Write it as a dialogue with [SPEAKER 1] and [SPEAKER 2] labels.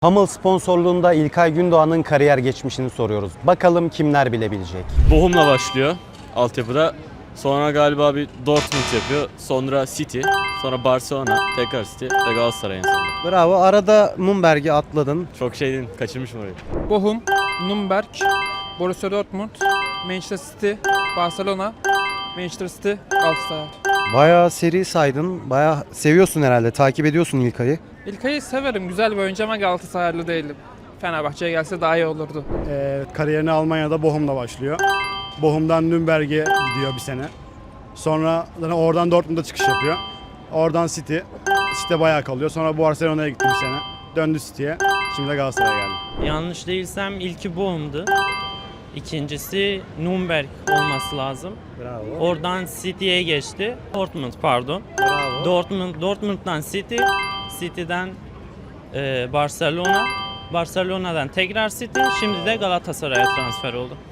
[SPEAKER 1] Hummel sponsorluğunda İlkay Gündoğan'ın kariyer geçmişini soruyoruz. Bakalım kimler bilebilecek?
[SPEAKER 2] Bochum'la başlıyor altyapıda. Sonra galiba bir Dortmund yapıyor. Sonra City. Sonra Barcelona. Tekrar City ve Galatasaray en sonunda.
[SPEAKER 1] Bravo. Arada Nürnberg'i atladın.
[SPEAKER 2] Çok şeydin. Kaçırmışım orayı.
[SPEAKER 3] Bochum, Nürnberg, Borussia Dortmund, Manchester City, Barcelona, Manchester City, Galatasaray.
[SPEAKER 1] Bayağı seri saydın. Bayağı seviyorsun herhalde. Takip ediyorsun İlkay'ı.
[SPEAKER 3] İlkay'ı severim. Güzel bir oyuncu ama Galatasaraylı değilim. Fenerbahçe'ye gelse daha iyi olurdu.
[SPEAKER 4] Kariyerini Almanya'da Bochum'da başlıyor. Bochum'dan Nürnberg'e gidiyor bir sene. Sonra oradan Dortmund'a çıkış yapıyor. Oradan City'de bayağı kalıyor. Sonra Barcelona'ya gitti bir sene. Döndü City'ye. Şimdi de Galatasaray'a geldi.
[SPEAKER 5] Yanlış değilsem ilki Bochum'du. İkincisi Nürnberg olması lazım.
[SPEAKER 1] Bravo.
[SPEAKER 5] Oradan City'ye geçti. Dortmund pardon.
[SPEAKER 1] Bravo.
[SPEAKER 5] Dortmund'dan City, City'den Barcelona, Barcelona'dan tekrar City, şimdi de Galatasaray'a transfer oldu.